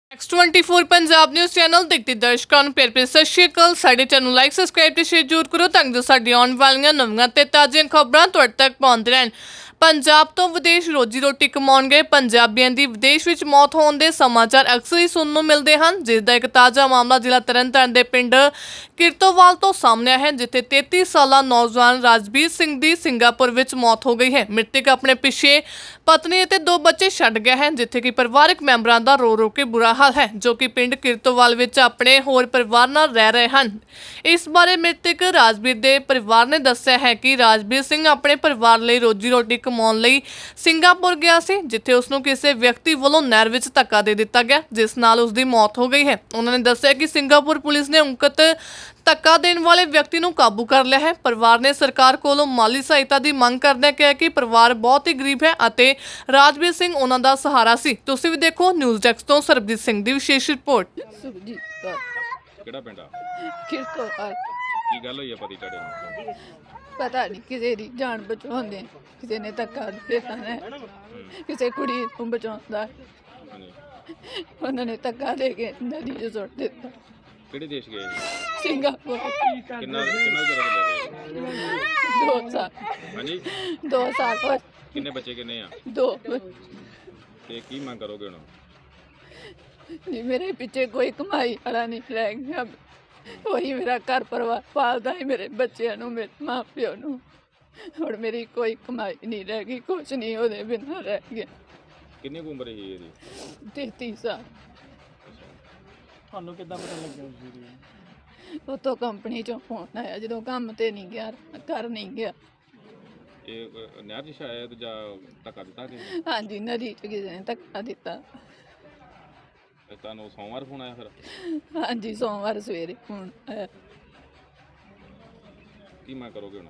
X24 Punjab news channel ਦੇਖਦੇ ਦਰਸ਼ਕਾਂ ਨੂੰ ਪਿਆਰ ਭਰੀ ਸਤਿ ਸ਼੍ਰੀ ਅਕਾਲ। ਸਾਡੇ ਚੈਨਲ ਨੂੰ ਲਾਈਕ ਸਬਸਕ੍ਰਾਈਬ ਤੇ ਸ਼ੇਅਰ ਜ਼ਰੂਰ ਕਰੋ ਤਾਂ ਜੋ ਸਾਡੀ ਆਉਣ ਵਾਲੀਆਂ ਨਵੀਆਂ ਤੇ ਤਾਜ਼ੀਆਂ ਖਬਰਾਂ ਤੁਹਾਡੇ ਤੱਕ ਪਹੁੰਚਦੇ ਰਹਿਣ। ਪੰਜਾਬ ਤੋਂ ਵਿਦੇਸ਼ ਰੋਜੀ ਰੋਟੀ ਕਮਾਉਣ ਗਏ ਪੰਜਾਬੀਆਂ ਦੀ ਵਿਦੇਸ਼ ਵਿੱਚ ਮੌਤ ਹੋਣ ਦੇ ਸਮਾਚਾਰ ਅਕਸਰ ਹੀ ਸੁਣਨ ਨੂੰ ਮਿਲਦੇ ਹਨ, ਜਿਸ ਦਾ ਇੱਕ ਤਾਜ਼ਾ ਮਾਮਲਾ ਜ਼ਿਲ੍ਹਾ ਤਰਨਤਾਰਨ ਦੇ ਪਿੰਡ ਕਿਰਤੋਵਾਲ ਤੋਂ ਸਾਹਮਣੇ ਆਇਆ ਹੈ, ਜਿੱਥੇ 33 ਸਾਲਾ ਨੌਜਵਾਨ ਰਾਜਵੀਰ ਸਿੰਘ ਦੀ ਸਿੰਗਾਪੁਰ ਵਿੱਚ ਮੌਤ ਹੋ ਗਈ ਹੈ। ਮ੍ਰਿਤਕ ਆਪਣੇ ਪਿੱਛੇ ਪਤਨੀ ਅਤੇ 2 ਬੱਚੇ ਛੱਡ ਗਿਆ ਹੈ, ਜਿੱਥੇ ਕਿ ਪਰਿਵਾਰਕ ਮੈਂਬਰਾਂ ਦਾ ਰੋ ਰੋ ਕੇ ਬੁਰਾ ਹਾਲ ਹੈ, ਜੋ ਕਿ ਪਿੰਡ ਕਿਰਤੋਵਾਲ ਵਿੱਚ ਆਪਣੇ ਹੋਰ ਪਰਿਵਾਰ ਨਾਲ ਰਹਿ ਰਹੇ ਹਨ। ਇਸ ਬਾਰੇ ਮ੍ਰਿਤਕ ਰਾਜਵੀਰ ਦੇ ਪਰਿਵਾਰ ਨੇ ਦੱਸਿਆ ਹੈ ਕਿ ਰਾਜਵੀਰ ਸਿੰਘ ਆਪਣੇ ਪਰਿਵਾਰ ਲਈ ਰੋਜੀ ਰੋਟੀ ਕਮਾਉਣ ਲਈ ਸਿੰਗਾਪੁਰ ਗਿਆ ਸੀ, ਜਿੱਥੇ ਉਸ ਨੂੰ ਕਿਸੇ ਵਿਅਕਤੀ ਵੱਲੋਂ ਨਹਿਰ ਵਿੱਚ ਧੱਕਾ ਦੇ ਦਿੱਤਾ ਗਿਆ, ਜਿਸ ਨਾਲ ਉਸ ਦੀ ਮੌਤ ਹੋ ਗਈ ਹੈ। ਉਹਨਾਂ ਨੇ ਦੱਸਿਆ ਕਿ ਸਿੰਗਾਪੁਰ ਪੁਲਿਸ ਨੇ ਉਕਤ ਧੱਕਾ ਦੇਣ ਵਾਲੇ ਵਿਅਕਤੀ ਨੂੰ ਕਾਬੂ ਕਰ ਲਿਆ ਹੈ। ਪਰਿਵਾਰ ਨੇ ਸਰਕਾਰ ਕੋਲੋਂ ਮਾਲੀ ਸਹਾਇਤਾ ਦੀ ਮੰਗ ਕਰਦਿਆਂ ਕਿਹਾ ਕਿ ਪਰਿਵਾਰ ਬਹੁਤ ਹੀ ਗਰੀਬ ਹੈ ਅਤੇ ਰਾਜਵੀਰ ਸਿੰਘ ਉਹਨਾਂ ਦਾ ਸਹਾਰਾ ਸੀ। ਤੁਸੀਂ ਵੀ ਦੇਖੋ ਨਿਊਜ਼ ਡੈਸਕ ਤੋਂ ਸਰਬਜੀਤ ਸਿੰਘ ਦੀ ਵਿਸ਼ੇਸ਼ ਰਿਪੋਰਟ। ਸੁਖਜੀਤ ਕੌਰ ਕਿਹੜਾ ਪਿੰਡ ਆ? ਕਿਰਤੋਵਾਲ। ਕੀ ਗੱਲ ਹੋਈ ਆ ਪਤੀ ਤੁਹਾਡੇ ਨੂੰ? ਪਤਾ ਨਹੀਂ ਕਿਸੇ ਦੀ ਜਾਨ ਬਚਾਉਂਦੇ, ਕਿਸੇ ਨੇ ਧੱਕਾ ਦੇ ਦਿੱਤਾ ਹੈ, ਕਿਸੇ ਕੁੜੀ ਨੂੰ ਬਚਾਉਂਦਾ ਹਾਂਜੀ, ਉਹਨਾਂ ਨੇ ਧੱਕਾ ਦੇ ਕੇ ਨਦੀ 'ਚ ਸੁੱਟ ਦਿੱਤਾ। ਕਿਹੜੇ ਦੇਸ਼ ਗਏ ਸੀ? ਸਿੰਗਾਪੁਰ। ਕਿੰਨਾ ਚਿਰ ਹੋ ਗਿਆ? 2 ਸਾਲ। ਹਾਂਜੀ, 2 ਸਾਲ ਹੋਏ। ਕਿੰਨੇ ਬੱਚੇ ਕਿੰਨੇ ਆ 2। ਤੇ ਕੀ ਮੰਗ ਕਰੋਗੇ ਹੁਣ? ਜੀ ਮੇਰੇ ਪਿੱਛੇ ਕੋਈ ਕਮਾਈ ਵਾਲਾ ਨਹੀਂ ਰਹਿ ਗਿਆ, ਉਹੀ ਮੇਰਾ ਘਰ ਪਰਿਵਾਰ ਪਾਲਦਾ ਹੈ, ਮੇਰੇ ਬੱਚਿਆਂ ਨੂੰ, ਮੇਰੇ ਮਾਂ ਪਿਓ ਨੂੰ। ਹੁਣ ਮੇਰੀ ਕੋਈ ਕਮਾਈ ਨਹੀਂ ਰਹਿ ਗਈ, ਕੁਛ ਨਹੀਂ ਉਹਦੇ ਬਿਨਾਂ ਰਹਿ ਗਿਆ। ਕਿੰਨੀ ਕੁ ਉਮਰ ਸੀ ਇਹਦੀ? 33 ਸਾਲ। ਤੁਹਾਨੂੰ ਕਿੱਦਾਂ ਪਤਾ ਲੱਗਿਆ ਉਸ ਦੀ? ਉਤੋਂ ਕੰਪਨੀ ਚੋਂ ਫੋਨ ਆਇਆ, ਜਦੋਂ ਕੰਮ ਤੇ ਨਹੀਂ ਗਿਆ, ਘਰ ਨਹੀਂ ਗਿਆ। ਇਹ ਨਹਿਰ 'ਚ ਸ਼ਾਇਦ ਜਾਂ ਧੱਕਾ ਦਿੱਤਾ ਕਿ ਹਾਂਜੀ, ਨਦੀ 'ਚ ਕਿਸੇ ਨੇ ਧੱਕਾ ਦਿੱਤਾ। ਤੁਹਾਨੂੰ ਸੋਮਵਾਰ ਫੋਨ ਆਇਆ ਫਿਰ? ਹਾਂਜੀ, ਸੋਮਵਾਰ ਸਵੇਰੇ ਫੋਨ ਆਇਆ। ਕੀ ਮੰਗ ਕਰੋਗੇ ਹੁਣ?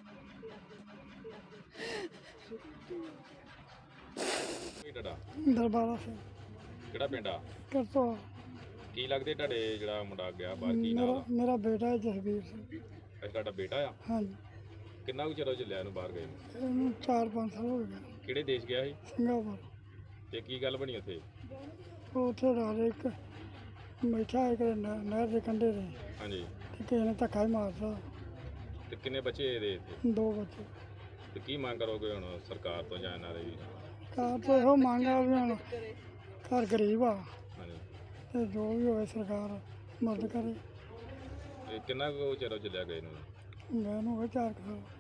ਕੀ ਤੁਹਾਡਾ ਦਰਬਾਰਾ ਸਿੰਘ ਕਿਹੜਾ ਪਿੰਡ ਆ? ਕਰਤੋ। ਕੀ ਲੱਗਦੇ ਤੁਹਾਡੇ ਜਿਹੜਾ ਮੁੰਡਾ ਗਿਆ ਬਾਹਰ, ਕੀ ਨਾਮ ਮੇਰਾ ਆ? ਮੇਰਾ ਬੇਟਾ ਹੈ ਜਸਵੀਰ ਸਿੰਘ। ਅੱਛਾ, ਤੁਹਾਡਾ ਬੇਟਾ ਆ? ਹਾਂਜੀ, ਕਿੰਨਾ ਕੁ ਚਿਰ ਹੋ ਚੱਲਿਆ ਇਹਨੂੰ ਬਾਹਰ ਗਏ ਨੂੰ? ਇਹਨੂੰ 4-5 ਸਾਲ ਹੋ ਗਏ। ਕਿਹੜੇ ਦੇਸ਼ ਗਿਆ ਸੀ ਸਿੰਗਾਪੁਰ। ਤੇ ਕੀ ਗੱਲ ਬਣੀ ਉੱਥੇ? ਉਹ ਉੱਥੇ ਰਾਤ ਇੱਕ ਬੈਠਾ ਇੱਕ ਨਹਿਰ ਦੇ ਕੰਢੇ 'ਤੇ, ਹਾਂਜੀ, ਤੇ ਕਿਸੇ ਨੇ ਧੱਕਾ ਹੀ ਮਾਰਤਾ। ਤੇ ਕਿੰਨੇ ਬੱਚੇ ਇਹਦੇ ਇੱਥੇ? 2 ਬੱਚੇ। ਤੇ ਕੀ ਮੰਗ ਕਰੋਗੇ ਹੁਣ ਸਰਕਾਰ ਤੋਂ ਜਾਂ ਇਹਨਾਂ ਦੇ ਵੀ? ਕਾਰ ਤੋਂ ਇਹੋ ਮੰਗ ਆ ਵੀ ਹੁਣ ਘਰ ਗਰੀਬ ਆ, ਹਾਂਜੀ, ਤੇ ਜੋ ਵੀ ਹੋਵੇ ਸਰਕਾਰ ਮਦਦ ਕਰੇ। ਇਹ ਕਿੰਨਾ ਕੁ ਚਿਰ ਹੋ ਚੱਲਿਆ ਗਏ ਨੂੰ? ਮੈਂ ਨੂੰ 4 ਸਾਲ।